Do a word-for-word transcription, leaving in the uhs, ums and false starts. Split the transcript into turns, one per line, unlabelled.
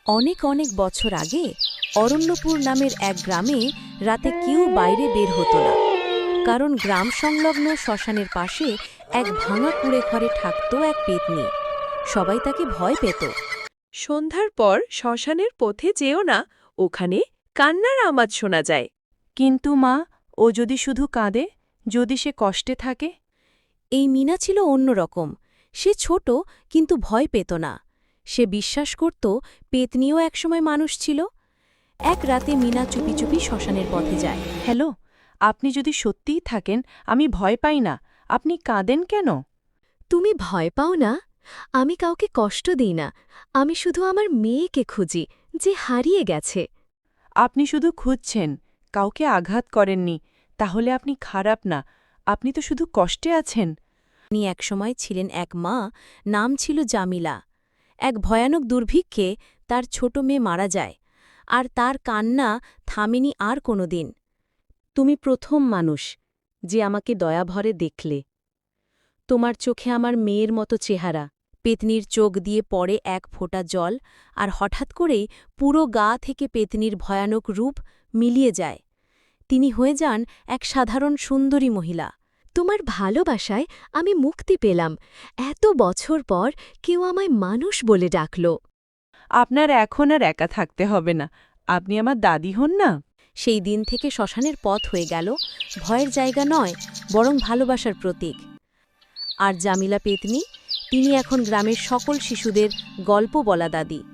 অনেক অনেক বছর আগে অরণ্যপুর নামের এক গ্রামে রাতে কেউ বাইরে বের হতো না, কারণ গ্রাম সংলগ্ন শ্মশানের পাশে এক ভাঙা কুঁড়ে ঘরে থাকত এক পেতনি। সবাই তাকে ভয় পেত।
সন্ধ্যার পর শ্মশানের পথে যেও না, ওখানে কান্নার আওয়াজ শোনা যায়।
কিন্তু মা, ও যদি শুধু কাঁদে, যদি সে কষ্টে থাকে?
এই মিনা ছিল অন্যরকম। সে ছোট কিন্তু ভয় পেত না। সে বিশ্বাস করত পেতনিও একসময় মানুষ ছিল। এক রাতে মিনা চুপি চুপি শ্মশানের পথে যায়।
হ্যালো, আপনি যদি সত্যিই থাকেন, আমি ভয় পাই না। আপনি কাঁদেন কেন?
তুমি ভয় পাও না? আমি কাউকে কষ্ট দিই না। আমি শুধু আমার মেয়েকে খুঁজি, যে হারিয়ে গেছে।
আপনি শুধু খুঁজছেন, কাউকে আঘাত করেননি। তাহলে আপনি খারাপ না, আপনি তো শুধু কষ্টে আছেন।
তিনি একসময় ছিলেন এক মা, নাম ছিল জামিলা। এক ভয়ানক দুর্ভিক্ষে তার ছোট মেয়ে মারা যায়, আর তার কান্না থামেনি আর কোনো দিন। তুমি প্রথম মানুষ যে আমাকে দয়াভরে দেখলে। তোমার চোখে আমার মেয়ের মতো চেহারা। পেতনির চোখ দিয়ে পড়ে এক ফোঁটা জল, আর হঠাৎ করেই পুরো গা থেকে পেতনির ভয়ানক রূপ মিলিয়ে যায়। তিনি হয়ে যান এক সাধারণ সুন্দরী মহিলা।
তোমার ভালোবাসায় আমি মুক্তি পেলাম। এত বছর পর কেউ আমায় মানুষ বলে ডাকল।
আপনার এখন আর একা থাকতে হবে না। আপনি আমার দাদি হন না?
সেই দিন থেকে শ্মশানের পথ হয়ে গেল ভয়ের জায়গা নয়, বরং ভালোবাসার প্রতীক। আর জামিলা পেতনি, তিনি এখন গ্রামের সকল শিশুদের গল্প বলা দাদি।